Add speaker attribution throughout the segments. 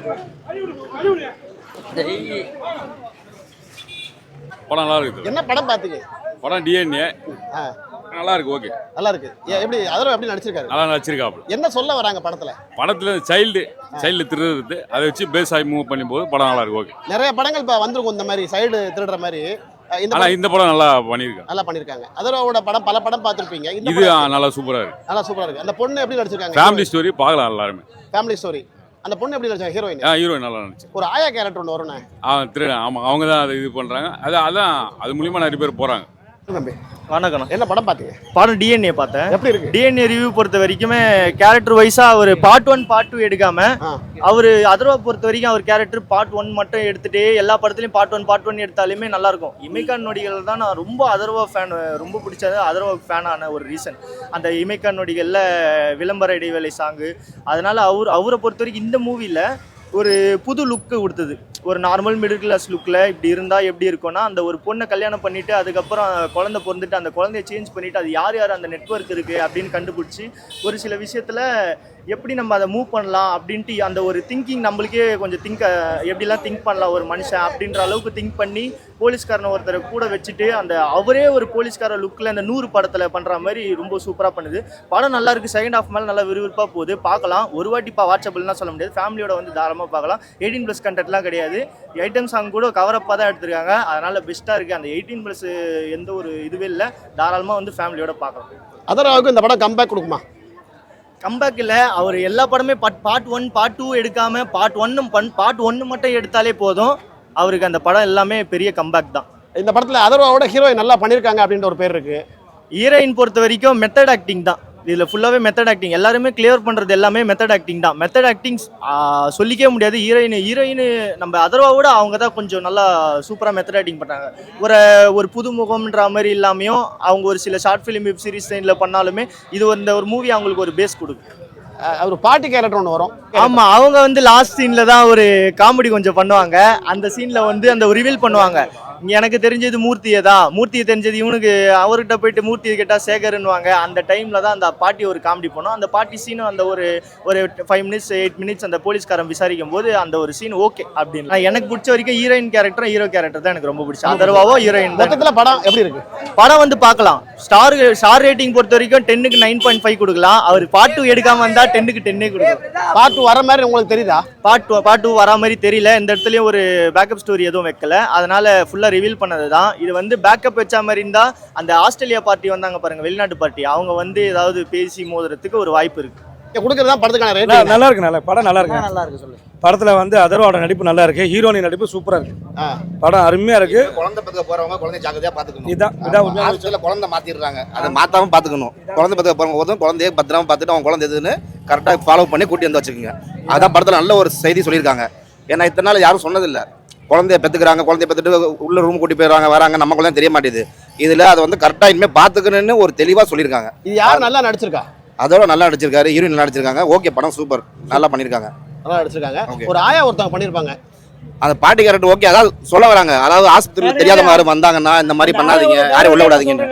Speaker 1: படம் நல்லா இருக்குது.
Speaker 2: என்ன படம் பார்த்தீங்க?
Speaker 1: படம் டிஎன்ஏ நல்லா இருக்கு. ஓகே,
Speaker 2: நல்லா இருக்கு. எப்படி அதெல்லாம் எப்படி நடிச்சிருக்காரு?
Speaker 1: நல்லா நடிச்சிருக்காப்ல.
Speaker 2: என்ன சொல்ல வராங்க படத்துல
Speaker 1: சைல்டு திருடுறது அதை வச்சு பேஸ் ஆகி மூவ் பண்ணும்போது படம் நல்லா இருக்கு. ஓகே,
Speaker 2: நிறைய படங்கள் இப்போ வந்திருக்கும் இந்த மாதிரி சைடு திருடுற மாதிரி.
Speaker 1: இந்த படம் நல்லா பண்ணிருக்காங்க.
Speaker 2: அதரோட படம் பல படம் பார்த்திருப்பீங்க.
Speaker 1: இது நல்லா சூப்பரா
Speaker 2: இருக்கு. அந்த பொண்ணு எப்படி நடிச்சிருக்காங்க?
Speaker 1: ஃபேமிலி ஸ்டோரி பார்க்கலாம் எல்லாருமே.
Speaker 2: Family story. அந்த பொண்ணு எப்படி நடிச்சாங்க?
Speaker 1: ஹீரோயின் நல்லா நடிச்சு.
Speaker 2: ஒரு ஆயா கேரக்டர் ஒன்று வரும்னே.
Speaker 1: திருடன். ஆமா, அவங்க தான் அதை இது பண்றாங்க. அதான் அது மூலியமா நிறைய பேர் போறாங்க.
Speaker 3: வணக்கம்.
Speaker 2: என்ன படம் பார்த்தீங்க?
Speaker 3: படம் டிஎன்ஏ பார்த்தேன்.
Speaker 2: எப்படி இருக்கு?
Speaker 3: டிஎன்ஏ ரிவ்யூ பொறுத்த வரைக்குமே கேரக்டர் வைஸா அவர் பார்ட் 1 பார்ட் 2 எடுக்காம அவர் அதர்வா பொறுத்த வரைக்கும் அவர் கேரக்டர் பார்ட் 1 மட்டும் எடுத்துட்டு எல்லா படத்துலையும் பார்ட் 1 எடுத்தாலுமே நல்லா இருக்கும். இமைக்கான் நொடிகள் தான் நான் ரொம்ப அதர்வா ஃபேன், ரொம்ப பிடிச்சது அதர்வா ஃபேனான ஒரு ரீசன். அந்த இமைக்கான் நொடிகளில் விளம்பர இடைவேளை சாங்கு, அதனால அவரை பொறுத்த வரைக்கும் இந்த மூவியில் ஒரு புது லுக்கு கொடுத்தது. ஒரு நார்மல் மிடில் கிளாஸ் லுக்கில் இப்படி இருந்தால் எப்படி இருக்கும்னா, அந்த ஒரு பொண்ணை கல்யாணம் பண்ணிவிட்டு அதுக்கப்புறம் குழந்தை பிறந்துட்டு அந்த குழந்தைய சேஞ்ச் பண்ணிவிட்டு அது யார் அந்த நெட்வொர்க் இருக்குது அப்படின்னு கண்டுபிடிச்சி ஒரு சில விஷயத்தில் எப்படி நம்ம அதை மூவ் பண்ணலாம் அப்படின்ட்டு அந்த ஒரு திங்கிங் நம்மளுக்கே கொஞ்சம் எப்படிலாம் திங்க் பண்ணலாம் ஒரு மனுஷன் அப்படின்ற அளவுக்கு திங்க் பண்ணி போலீஸ்காரனை ஒருத்தரை கூட வச்சுட்டு அந்த அவரே ஒரு போலீஸ்கார லுக்கில் அந்த 100 படத்தில் பண்ணுற மாதிரி ரொம்ப சூப்பராக பண்ணுது. படம் நல்லா இருக்குது. செகண்ட் ஹாஃப் மேலே நல்லா விறுவிறுப்பாக போகுது. பார்க்கலாம். ஒரு வாட்டி வாட்சபிள்லாம் சொல்ல முடியாது. ஃபேமிலியோட வந்து தாராளமாக பார்க்கலாம். 18+ கண்டென்ட்லாம் கிடையாது. ஐட்டம் சாங் கூட கவரப்பாக தான் எடுத்திருக்காங்க. அதனால் பெஸ்ட்டாக இருக்குது. அந்த 18+ எந்த ஒரு இதுவே இல்லை. தாராளமாக வந்து ஃபேமிலியோட பார்க்கலாம்.
Speaker 2: அதராவுக்கு இந்த படம் கம்பேக் கொடுக்குமா?
Speaker 3: கம்பேக் இல்லை. அவர் எல்லா படமே பார்ட் 1 பார்ட் 2 எடுக்காமல் பார்ட் 1 மட்டும் எடுத்தாலே போதும். அவருக்கு அந்த படம் எல்லாமே பெரிய கம்பேக் தான்.
Speaker 2: இந்த படத்தில் அதர்வாவோட ஹீரோயின் நல்லா பண்ணியிருக்காங்க அப்படின்ற ஒரு பேர் இருக்குது.
Speaker 3: ஹீரோயின் பொறுத்த வரைக்கும் மெத்தட் ஆக்டிங் தான். இதில் ஃபுல்லாகவே மெத்தட் ஆக்டிங். எல்லாருமே கிளியர் பண்ணுறது எல்லாமே மெத்தட் ஆக்டிங் தான். மெத்தட் ஆக்டிங் சொல்லிக்கவே முடியாது. ஹீரோயின் நம்ம அதர்வாவோட அவங்க தான் கொஞ்சம் நல்லா சூப்பராக மெத்தட் ஆக்டிங் பண்ணாங்க. ஒரு புதுமுகம்ன்ற மாதிரி இல்லாமையும் அவங்க ஒரு சில ஷார்ட் ஃபிலிம் வெப் சீரிஸ் சைனில் பண்ணாலுமே இது ஒரு மூவி அவங்களுக்கு ஒரு பேஸ் கொடுக்கும்.
Speaker 2: ஒரு பாட்டி கேரக்டர் ஒன்று வரும்.
Speaker 3: ஆமாம், அவங்க வந்து லாஸ்ட் சீனில் தான் ஒரு காமெடி கொஞ்சம் பண்ணுவாங்க. அந்த சீனில் வந்து அந்த ரிவீல் பண்ணுவாங்க. எனக்கு தெரிஞ்சது மூர்த்தியை தெரிஞ்சது இவனுக்கு அவர்கிட்ட போயிட்டு மூர்த்தியை கேட்டால் சேகர்னுவாங்க. அந்த டைமில் தான் அந்த பாட்டி ஒரு காமெடி பண்ணும். அந்த பாட்டி சீனும் அந்த ஒரு 5 மினிட்ஸ் 8 மினிட்ஸ் அந்த போலீஸ்காரன் விசாரிக்கும் போது அந்த ஒரு சீன் ஓகே அப்படின்னு. எனக்கு பிடிச்ச வரைக்கும் ஹீரோயின் கேரக்டர் ஹீரோ கேரக்டர் தான் எனக்கு ரொம்ப பிடிச்சது. அதர்வாவோ ஹீரோயின்.
Speaker 2: மொத்தத்தில் படம் எப்படி இருக்கு?
Speaker 3: படம் வந்து பார்க்கலாம். ஸ்டார் ரேட்டிங் பொறுத்த வரைக்கும் 10க்கு 9.5 கொடுக்கலாம். அவர் பார்ட் 2 எடுக்காம வந்தா 10க்கு 10 கொடுக்கலாம்.
Speaker 2: பார்ட் 2 வர மாதிரி உங்களுக்கு தெரியுதா?
Speaker 3: பார்ட் 2 வரா மாதிரி தெரியல. இந்த இடத்துலயும் ஒரு பேக்கப் ஸ்டோரி எதுவும் வைக்கல. அதனால ஃபுல்லா ரிவீல் பண்ணது தான். இது வந்து பேக்கப் வச்ச மாதிரி இருந்தா அந்த ஆஸ்திரேலியா பார்ட்டி வந்தாங்க பாருங்க, வெளிநாட்டு பார்ட்டி, அவங்க வந்து ஏதாவது பேசி மோதுறதுக்கு ஒரு வாய்ப்பு இருக்கு.
Speaker 2: கொடுக்கறதா படத்துக்கான ரேட்
Speaker 4: நல்லா இருக்கு. படம் நல்லா இருக்கு.
Speaker 3: நல்லா இருக்கு. சொல்லு.
Speaker 4: படத்துல வந்து அதர்வாவோட நடிப்பு நல்லா இருக்கு. ஹீரோயின் நடிப்பு சூப்பரா இருக்கு. படம் அருமையா இருக்கு.
Speaker 5: குழந்தை பெத்துக்க போறவங்க குழந்தை ஜாக்கிரதையா பாத்துக்கணும்.
Speaker 4: இதான்
Speaker 5: ஹாஸ்பிட்டல்ல குழந்தை மாத்திடுறாங்க. அதை மாத்தாம பாத்துக்கணும். குழந்தை பெத்துக்க போறவங்க குழந்தைய பத்திரமா பார்த்துட்டு அவங்க குழந்தை எதுன்னு கரெக்டா ஃபாலோ பண்ணி கூட்டி வந்து வச்சுக்கோங்க. அதான் படத்துல நல்ல ஒரு செய்தி சொல்லியிருக்காங்க. ஏன்னா இத்தனை நாள் யாரும் சொன்னதில்லை. குழந்தைய பெற்றுக்கிறாங்க, குழந்தைய பெற்றுட்டு உள்ள ரூம் கூட்டி போயிடுறாங்க, வராங்க, நம்ம குழந்தை தெரிய மாட்டேது. இதுல அதை வந்து கரெக்டா இனிமே பாத்துக்கணும்னு ஒரு தெளிவா சொல்லியிருக்காங்க.
Speaker 2: இது யார் நல்லா நடிச்சிருக்கா?
Speaker 5: அதோட நல்லா நடிச்சிருக்காரு. ஹீரோயின் நல்லா நடிச்சிருக்காங்க. ஓகே, படம் சூப்பர், நல்லா பண்ணிருக்காங்க.
Speaker 2: நல்லா நடிச்சிருக்காங்க. ஒரு ஆயா ஒருத்தவங்க பண்ணிருப்பாங்க.
Speaker 5: அந்த பாட்டி கேரக்டர் ஓகே. அதாவது சொல்ல வராங்க, அதாவது ஆஸ்பத்திரியில் தெரியாத மாதிரி வந்தாங்கன்னா இந்த மாதிரி பண்ணாதீங்க, யாரையும் உள்ள விடாதீங்க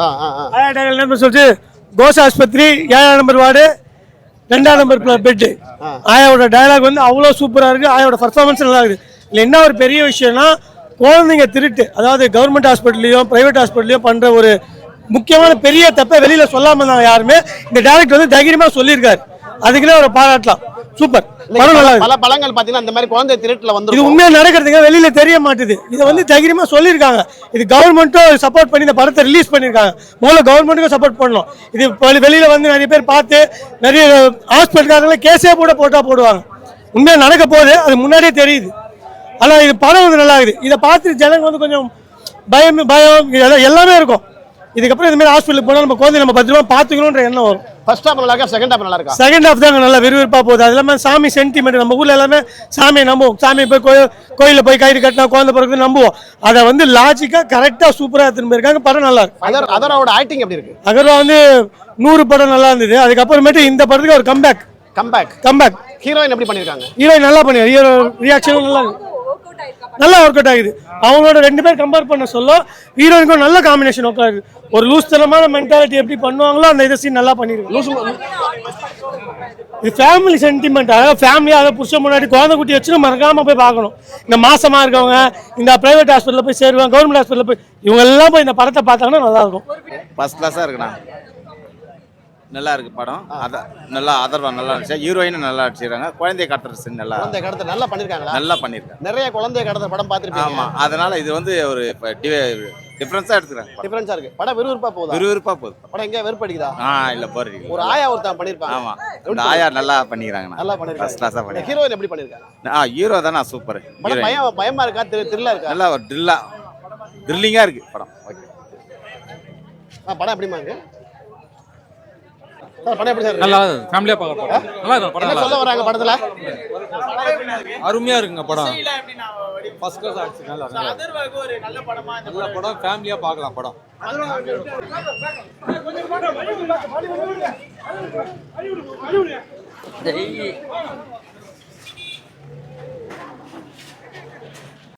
Speaker 4: சொல்லிட்டு கோஸ் ஆஸ்பத்திரி 7ஆம் நம்பர் வார்டு 2ஆம் நம்பர் பெட்டு. ஆயாவோட டயலாக் வந்து அவ்வளோ சூப்பராக இருக்கு. ஆயாவோட பர்ஃபார்மன்ஸ் நல்லா இருக்குது. இல்லை என்ன ஒரு பெரிய விஷயம்னா குழந்தைங்க திருட்டு, அதாவது கவர்மெண்ட் ஹாஸ்பிட்டல்லையும் பிரைவேட் ஹாஸ்பிட்டல்லையும் பண்ணுற ஒரு முக்கியமான பெரிய தப்பை வெளியில் சொல்லாமல் இருந்தாங்க யாருமே. இந்த டைரக்டர் வந்து தைரியமாக சொல்லியிருக்காரு. அதுக்குள்ளே ஒரு பாராட்டலாம். சூப்பர்.
Speaker 2: பல படங்கள் பார்த்தீங்கன்னா இந்த மாதிரி குழந்தை திருட்டுல வந்து
Speaker 4: இது உண்மையாக நடக்கிறதுங்க வெளியில தெரிய மாட்டுது. இதை வந்து தைரியமாக சொல்லியிருக்காங்க. இது கவர்மெண்ட்டும் சப்போர்ட் பண்ணி இந்த படத்தை ரிலீஸ் பண்ணியிருக்காங்க. முதல்ல கவர்மெண்ட்டுக்கும் சப்போர்ட் பண்ணணும். இது வெளியில வந்து நிறைய பேர் பார்த்து நிறைய ஹாஸ்பிட்டல்காரங்களே கேஸே கூட போடுவாங்க. உண்மையாக நடக்க போகுது, அது முன்னாடியே தெரியுது. ஆனால் இது படம் வந்து நல்லா இருக்குது. இதை பார்த்து ஜனங்க வந்து கொஞ்சம் பயம் எல்லாமே இருக்கும். இதுக்கப்புறம் இந்த மாதிரி ஹாஸ்பிட்டலுக்கு போனால் நம்ம குழந்தை நம்ம பத்திரமா பார்த்துக்கணுன்ற எண்ணம் வரும்.
Speaker 2: ஃபர்ஸ்ட் ஹாஃப் நல்லா இருக்கா, செகண்ட் ஹாஃப் நல்லா இருக்கா?
Speaker 4: செகண்ட் ஹாஃப் தாங்க நல்லா விறுவிறுப்பாக போகுது. அது இல்லாமல் சாமி சென்டிமெண்ட், நம்ம ஊரில் எல்லாமே சாமியை நம்புவோம். சாமி போய் கோயிலில் போய் கயிறு கட்டினா குழந்தை பிறகு நம்புவோம். அதை வந்து லாஜிக்காக கரெக்டாக சூப்பராக எடுத்துன்னு போயிருக்காங்க. படம் நல்லா இருக்கு.
Speaker 2: அதரோட ஆக்டிங் எப்படி இருக்கு?
Speaker 4: அதர்வா வந்து 100 படம் நல்லா இருந்தது. அதுக்கப்புறமேட்டு இந்த படத்துக்கு ஒரு கம்பேக்.
Speaker 2: ஹீரோயின் எப்படி பண்ணியிருக்காங்க?
Speaker 4: ஹீரோயின் நல்லா பண்ணிருக்காங்க. ஹீரோ ரியாக்ஷனும் நல்லா ஒர்க் அவுட் ஆகுது. அவங்களோட 2 பேர் கம்பேர் பண்ண சொல்ல ஹீரோயினுக்கும் நல்ல காம்பினேஷன் உட்காருது. ஒரு லூஸ் தனமான மென்டாலிட்டி எப்படி பண்ணுவாங்களோ அந்த இதை சீன் நல்லா பண்ணிருக்கு. இது ஃபேமிலி சென்டிமெண்ட். அதாவது ஃபேமிலியாக புருஷன் முன்னாடி குழந்தை குட்டி வச்சுன்னு மறக்காமல் போய் பார்க்கணும். இந்த மாசமா இருக்கவங்க இந்த பிரைவேட் ஹாஸ்பிட்டலில் போய் சேருவாங்க, கவர்மெண்ட் ஹாஸ்பிட்டலில் போய் இவங்க எல்லாம் போய் இந்த படத்தை பார்த்தாங்கன்னா நல்லாயிருக்கும்.
Speaker 6: ஃபர்ஸ்ட் கிளாஸாக இருக்குண்ணா, நல்லா இருக்கு படம். அதான் நல்லா அதர்வா நல்லா இருந்துச்சு, ஹீரோயினும் நல்லா அடிச்சிருக்காங்க, குழந்தைய கடத்துற சீன் நல்லா
Speaker 2: குழந்தை கடத்த நல்லா பண்ணிருக்காங்களா?
Speaker 6: நல்லா பண்ணியிருக்காங்க.
Speaker 2: நிறைய குழந்தைய கடத்த படம் பார்த்துருப்பீங்க.
Speaker 6: ஆமாம், அதனால இது வந்து ஒரு டிஃப்ரென்ஸாக எடுத்துக்கிறாங்க.
Speaker 2: டிஃபரன்ஸா இருக்கு படம். விறுவிறுப்பா போகுதா?
Speaker 6: விறுவிறுப்பாக போகுது
Speaker 2: படம். எங்க வெறுப்படிக்குதா?
Speaker 6: இல்லை போறீங்க.
Speaker 2: ஒரு ஆயா ஒருத்தன் பண்ணிருப்பாங்க.
Speaker 6: ஆமாம், இந்த ஆயா நல்லா பண்ணிக்கிறாங்கண்ணா,
Speaker 2: நல்லா
Speaker 6: ஃபர்ஸ்ட்
Speaker 2: பண்ணிருக்காங்க.
Speaker 6: கிளாஸாக பண்ணி.
Speaker 2: ஹீரோயின் எப்படி பண்ணிருக்காங்க?
Speaker 6: ஹீரோ தானே சூப்பர்.
Speaker 2: படம் பயமா இருக்கா? த்ரில்லா இருக்கா?
Speaker 6: நல்லா ஒரு த்ரில்லிங்காக இருக்கு படம். ஓகே,
Speaker 2: படம் எப்படிமா இருக்கு? படம் எப்படி சார்?
Speaker 7: நல்லா ஃபேமிலியா பார்க்க நல்லா இருக்கும் படம்.
Speaker 2: என்ன சொல்ல வராங்க படத்துல?
Speaker 7: அருமையா இருக்குங்க படம். ஃபர்ஸ்ட் கிளாஸ் ஆக்சன் நல்லா இருக்கு. அதர்வாக்கு ஒரு நல்ல படமா இந்த நல்ல படம், ஃபேமிலியா பார்க்கலாம் படம்.